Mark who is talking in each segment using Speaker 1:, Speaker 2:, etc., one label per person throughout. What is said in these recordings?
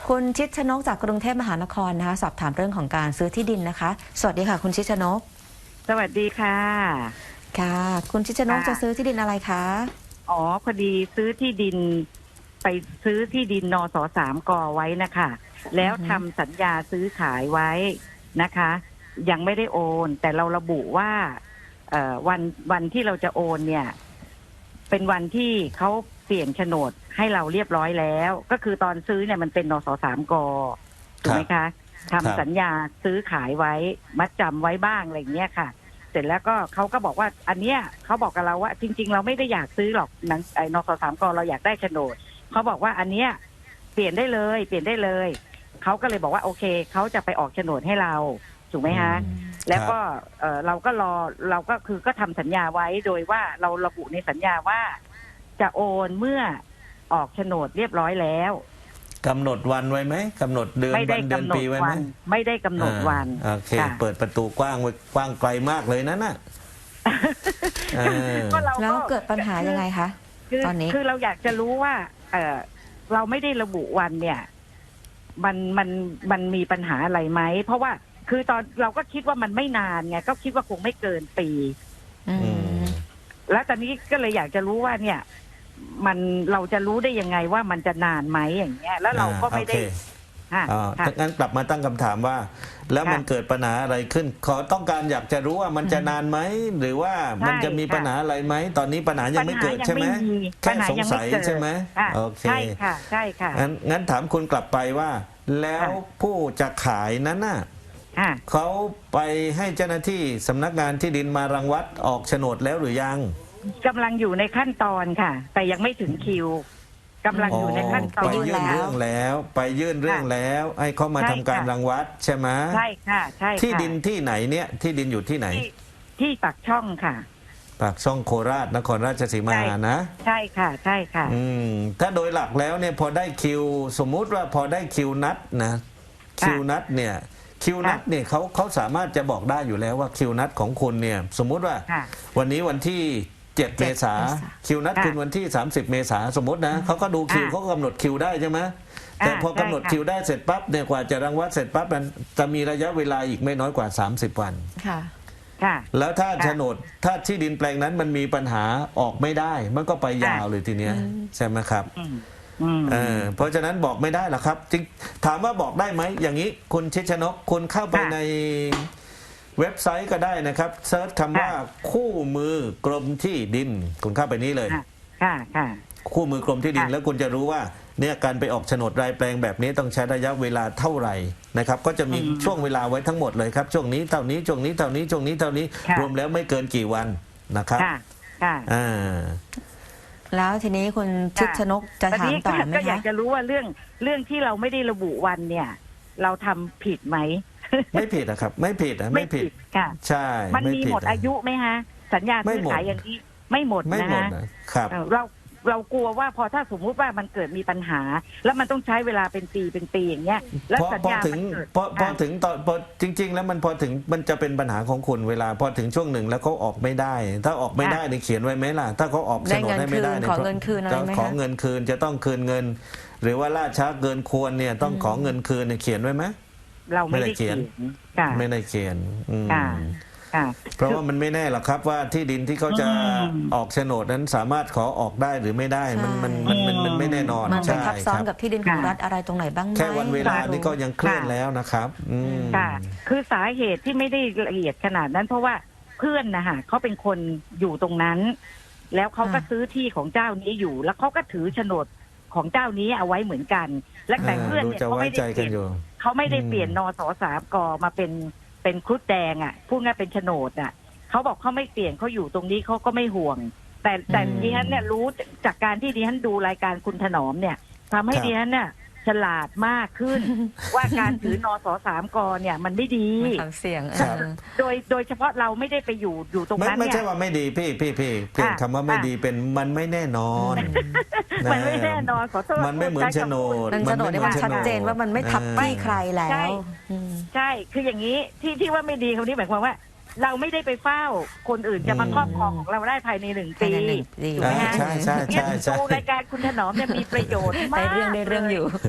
Speaker 1: คุณชิดชนกจากกรุงเทพมหานครนะคะสอบถามเรื่องของการซื้อที่ดินนะคะสวัสดีค่ะคุณชิดชนก
Speaker 2: สวัสดีค่ะ
Speaker 1: ค่ะคุณชิดชนกจะซื้อที่ดินอะไรคะ
Speaker 2: อ๋อพอดีซื้อที่ดินไปซื้อที่ดินนส.3 ก.ไว้นะคะแล้วทำสัญญาซื้อขายไว้นะคะยังไม่ได้โอนแต่เราระบุว่าวันที่เราจะโอนเนี่ยเป็นวันที่เขาเปลี่ยนโฉนดให้เราเรียบร้อยแล้วก็คือตอนซื้อเนี่ยมันเป็นนส.3 ก.ถูกไหมคะทำสัญญาซื้อขายไว้มัดจำไว้บ้างอะไรอย่างเงี้ยค่ะเสร็จแล้วก็เขาก็บอกว่าอันเนี้ยเขาบอกกับเราว่าจริงๆเราไม่ได้อยากซื้อหรอกนส.3 ก.เราอยากได้โฉนดเขาบอกว่าอันเนี้ยเปลี่ยนได้เลยเปลี่ยนได้เลยเขาก็เลยบอกว่าโอเคเขาจะไปออกโฉนดให้เราถูกไหมฮะแล้วก็เราก็รอเราก็คือก็ทำสัญญาไว้โดยว่าเราระบุในสัญญาว่าจะโอนเมื่อออกโฉนดเรียบร้อยแล้ว
Speaker 3: กำหนดวันไว้ไหมกำหนดเดือนวันเดือนปีไว้ไหม
Speaker 2: ไม่ได้กำหนดวัน
Speaker 3: โอเคเปิดประตูกว้างไว้กว้างไกลมากเลยนั่นน่ะ
Speaker 1: แล้วเกิดปัญหายังไงคะตอนนี้
Speaker 2: คือเราอยากจะรู้ว่าเราไม่ได้ระบุวันเนี่ยมันมีปัญหาอะไรไหมเพราะว่าคือตอนเราก็คิดว่ามันไม่นานไงก็คิดว่าคงไม่เกินปีแล้วตอนนี้ก็เลยอยากจะรู้ว่าเนี่ยเราจะรู้ได้ยังไงว่ามันจะนานไหมอย่างเงี้ยแล้วเราก็ไม่ได้
Speaker 3: งั้นกลับมาตั้งคำถามว่าแล้วมันเกิดปัญหาอะไรขึ้นขอต้องการอยากจะรู้ว่ามันจะนานไหมหรือว่ามันจะมีปัญหาอะไรไหมตอนนี้ปัญหายังไม่เกิดใช่ไหมแค่สงสัยใช่ไหมโอเค
Speaker 2: ใช่ค่ะใช่ค่ะ
Speaker 3: งั้นถามคุณกลับไปว่าแล้วผู้จะขายนั้นน่ะเขาไปให้เจ้าหน้าที่สำนักงานที่ดินมารังวัดออกโฉนดแล้วหรือยัง
Speaker 2: กำลังอยู่ในขั้นตอนค่ะแต่ยังไม่ถึงคิวกำลังอยู่ในขั้นตอน
Speaker 3: ไปยื่นเรื่องแล้วไปยื่นเรื่องแล้วให้เขามาทำการรังวัดใช่ไหม
Speaker 2: ใช่ค่ะใช่
Speaker 3: ที่ดินที่ไหนเนี่ยที่ดินอยู่ที่ไหน
Speaker 2: ที่ปากช่องค่ะ
Speaker 3: ปากช่องโคราชนครราชสีมานะ
Speaker 2: ใช่ค่ะใช่ค่ะ
Speaker 3: ถ้าโดยหลักแล้วเนี่ยพอได้คิวสมมุติว่าพอได้คิวนัดนะคิวนัดเนี่ยเขาสามารถจะบอกได้อยู่แล้วว่าคิวนัดของคุณเนี่ยสมมุติว่าวันนี้วันที่7 เมษาคิวนัดคุณวันที่30 เมษาสมมตินะเขาก็ดูคิวเขาก็กำหนดคิวได้ใช่ไหมแต่พอกำหนดคิวได้เสร็จปั๊บเนี่ยกว่าจะรังวัดเสร็จปั๊บนั้นจะมีระยะเวลาอีกไม่น้อยกว่า30 วันแล้วถ้าโฉนดถ้าที่ดินแปลงนั้นมันมีปัญหาออกไม่ได้มันก็ไปยาวเลยทีเนี้ยใช่ไหมครับเพราะฉะนั้นบอกไม่ได้หรอกครับจริงถามว่าบอกได้ไหมอย่างนี้คุณชิดชนกคุณเข้าไปในเว็บไซต์ก็ได้นะครับเซิร์ชคำว่าคู่มือกรมที่ดินคุณเข้าไปนี้เลยคู่มือกรมที่ดินแล้วคุณจะรู้ว่าเนี่ยการไปออกโฉนดรายแปลงแบบนี้ต้องใช้ระยะเวลาเท่าไหร่นะครับก็จะมีช่วงเวลาไว้ทั้งหมดเลยครับช่วงนี้เท่านี้ช่วงนี้เท่านี้ช่วงนี้เท่านี้รวมแล้วไม่เกินกี่วันนะครับ
Speaker 1: แล้วทีนี้คุณชิดชนกจะถามต่อไหมคะ
Speaker 2: ก็อยากจะรู้ว่าเรื่องที่เราไม่ได้ระบุวันเนี่ยเราทำผิดไหม
Speaker 3: ไม่ผิดนะครับไม่ผิดไม่ผิด
Speaker 2: ค่ะ
Speaker 3: ใช่
Speaker 2: มันมีหมดอายุไหมฮะสัญญาซื้อขายอย่างนี้ไม่หมด
Speaker 3: นะครับ
Speaker 2: เรากลัวว่าพอถ้าสมมุติว่ามันเกิดมีปัญหาแล้วมันต้องใช้เวลาเป็นปีอย่างเงี้ยแล้วสัญญา
Speaker 3: พอถึงตอนพอจริงๆแล้วมันพอถึงมันจะเป็นปัญหาของคุณเวลาพอถึงช่วงหนึ่งแล้วเขาออกไม่ได้ถ้าออกไม่ได้เนี่ยเขียนไว้ไหมล่ะถ้าเขาออกโฉนดให้ไม่ได้เนี่ย
Speaker 1: ขอเงินคืนอะไรไหมคะ
Speaker 3: ขอเงินคืนจะต้องคืนเงินหรือว่าล่าช้าเกินควรเนี่ยต้องขอเงินคืนเนี่ยเขียนไว้ไหม
Speaker 2: เราไม่ได้เขียน
Speaker 3: ไม่ได้เขียนเพราะว่ามันไม่แน่หรอกครับว่าที่ดินที่เขาจะออกโฉนดนั้นสามารถขอออกได้หรือไม่ได้มันไม่แน่นอน
Speaker 1: มันไปทับซ้อนกับที่ดินของรัฐอะไรตรงไหนบ้างไหม
Speaker 3: แค่วันเวลานี่ก็ยังเคลื่อนแล้วนะครับ
Speaker 2: ค่ะคือสาเหตุที่ไม่ได้ละเอียดขนาดนั้นเพราะว่าเพื่อนนะคะเขาเป็นคนอยู่ตรงนั้นแล้วเขาก็ซื้อที่ของเจ้านี้อยู่แล้วเขาก็ถือโฉนดของเจ้านี้เอาไว้เหมือนกันและแต่เพื่อนเนี่ยเขาไม่ได้เปลี่ยนนส.3 ก.มาเป็นครุฑแดงอ่ะพูดง่ายเป็นโฉนดอ่ะเขาบอกเขาไม่เปลี่ยนเขาอยู่ตรงนี้เขาก็ไม่ห่วงแต่ดิฉันเนี่ยรู้จากการที่ดิฉันดูรายการคุณถนอมเนี่ยทำให้ดิฉันเนี่ยฉลาดมากขึ้นว่าการถือนส.3 ก.เนี่ยมันไม่ดี
Speaker 1: เสี่ยง
Speaker 2: โดยเฉพาะเราไม่ได้ไปอยู่ตรงนั้นเนี่ย
Speaker 3: ไม่ใช่ว่าไม่ดีพี่เปลี่ยนคำว่าไม่ดีเป็นมันไม่แน่นอน
Speaker 2: มันไม่แน่นอนขอโทษ
Speaker 3: มันไม่เหมือนโฉนด
Speaker 1: มันได้ว่าชัดเจนว่ามันไม่ทับที่ใครแล้ว
Speaker 2: ใช่คืออย่างนี้ที่ว่าไม่ดีคำนี้หมายความว่าเราไม่ได้ไปเฝ้าคนอื่นจะมาครอบครองของเราได้ภายใน1 ปี
Speaker 3: ถูกไหมฮะใช่
Speaker 2: ดูรายการคุณถนอมเนี่ยมีประโยชน์มาก
Speaker 1: เรื่องอยู่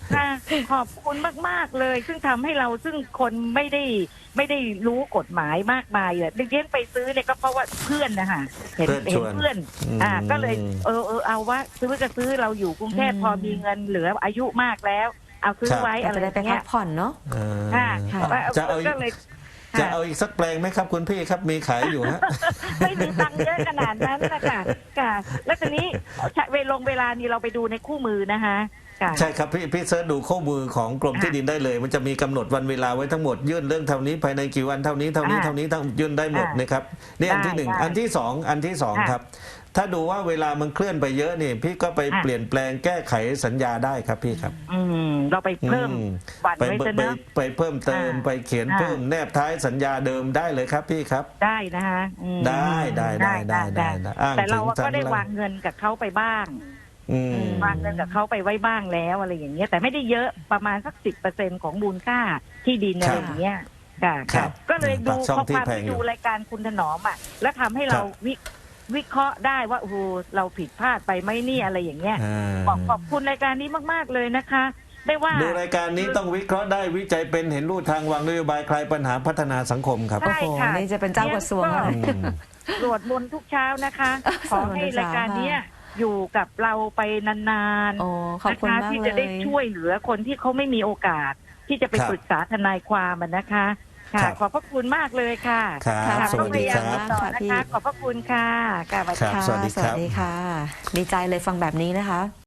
Speaker 2: ค่ะขอบคุณมากๆเลย ซึ่งทำให้เราซึ่งคนไม่ได้รู้กฎหมายมากมายเลยเลี้ยงไปซื้อเนี่ยก็เพราะว่าเพื่อนนะคะเห็น
Speaker 3: เพื่อนชวน
Speaker 2: เพื่อนก็เลยเอาว่าซื้อก็ซื้อเราอยู่กรุงเทพ
Speaker 1: อืม
Speaker 2: พอมีเงินเหลืออายุมากแล้ว เอาซื้อไว้
Speaker 1: อา
Speaker 2: อะ
Speaker 1: จ
Speaker 2: ไร
Speaker 1: จะได้ไป
Speaker 2: เงี้
Speaker 1: พั
Speaker 2: ย
Speaker 1: กผ่อนเนาะ
Speaker 2: ค่ะ
Speaker 1: ค่ะ
Speaker 3: จะเอา
Speaker 2: ก็เลย
Speaker 3: จะเอาอีกสักแปลงไหมครับคุณพี่ครับมีขายอยู่ฮะ
Speaker 2: ไม่มีตังค์เยอะขนาดนั้นนะคะค่ะแล้วทีนี้เวลานี้เราไปดูในคู่มือนะคะค่ะ
Speaker 3: ใช่ครับพี่เสิร์ชดูข้อมือของกรมที่ดินได้เลย มันจะมีกำหนดวันเวลาไว้ทั้งหมดยื่นเรื่องเท่านี้ภายในกี่วันเท่านี้ทั้งยื่นได้หมดนะครับนี่อันที่หนึ่ง
Speaker 2: ได้
Speaker 3: อันที่สอง
Speaker 2: ค่ะ
Speaker 3: ครับ ถ้าดูว่าเวลามันเคลื่อนไปเยอะนี่พี่ก็ไป
Speaker 2: ค่ะ
Speaker 3: เปลี่ยนแปลงแก้ไขสัญญาได้ครับพี่ครับ
Speaker 2: เราไปเพิ่ม
Speaker 3: อืม
Speaker 2: วัน
Speaker 3: ไป
Speaker 2: ไว้ซะ
Speaker 3: ไป
Speaker 2: เนอะ
Speaker 3: ไปเพิ่มเติม
Speaker 2: อ่า
Speaker 3: ไปเขียน
Speaker 2: อ่า
Speaker 3: เพิ่มแนบท้ายสัญญาเดิมได้เลยครับพี่ครับ
Speaker 2: ได้นะคะ
Speaker 3: ได้อ้าง
Speaker 2: แต่เรา
Speaker 3: ถึง
Speaker 2: ก็ได้
Speaker 3: ทำ
Speaker 2: วางเงินกับเขาไปบ้าง
Speaker 3: อืม
Speaker 2: วางเงินกับเขาไปไว้บ้างแล้วอะไรอย่างเงี้ยแต่ไม่ได้เยอะประมาณสัก10%ของมูลค่าที่ดินอะไรอย่างเงี้ยค่ะ
Speaker 3: ครับ
Speaker 2: ก็เลยดู
Speaker 3: ปากช่อง
Speaker 2: ข้อความ
Speaker 3: ที่แพง
Speaker 2: ที่
Speaker 3: อยู่
Speaker 2: ดูรายการคุณถนอมอ่ะแล้วทำให้เราวิเคราะห์ได้ว่าโอ้โหเราผิดพลาดไปไหมเนี่ยอะไรอย่างเงี้ย ขอบคุณรายการนี้มากๆเลยนะคะ ได้ว่า
Speaker 3: ดูรายการนี้ต้องวิเคราะห์ได้วิจัยเป็นเห็นรูทางวางนโยบายคลายปัญหาพัฒนาสังคมครับ
Speaker 2: ใช่
Speaker 1: โอ้โห
Speaker 2: ค่ะ
Speaker 1: นี่จะเป็นเจ้ากระทรวงแล้ว
Speaker 3: อืม
Speaker 2: สวดมนต์ทุกเช้านะคะ ขอให้รายการเนี้ย
Speaker 1: ค่ะ
Speaker 2: อยู่กับเราไปนาน
Speaker 1: โอ้ขอบ
Speaker 2: ๆ
Speaker 1: คุณ
Speaker 2: นะคะ
Speaker 1: มาก
Speaker 2: ที่
Speaker 1: เล
Speaker 2: จะได้
Speaker 1: ย
Speaker 2: ช่วยเหลือคนที่เขาไม่มีโอกาส ที่จะไป
Speaker 3: ครับ
Speaker 2: ปรึกษาทนายความอะนะคะ ค่ะ
Speaker 3: ครับ
Speaker 2: ขอบพระคุณมากเลยค่ะ
Speaker 3: ครับ
Speaker 2: ค่ะ
Speaker 3: สวัสดีครับ
Speaker 2: ต้องพยายามต่อนะคะ ขอบพระคุณค่ะค่ะสวัสดี
Speaker 3: ครับ
Speaker 2: ค่ะ
Speaker 3: สวัสดีครับ
Speaker 1: สวัสดีค่ะ ดีใจเลยฟังแบบนี้นะคะ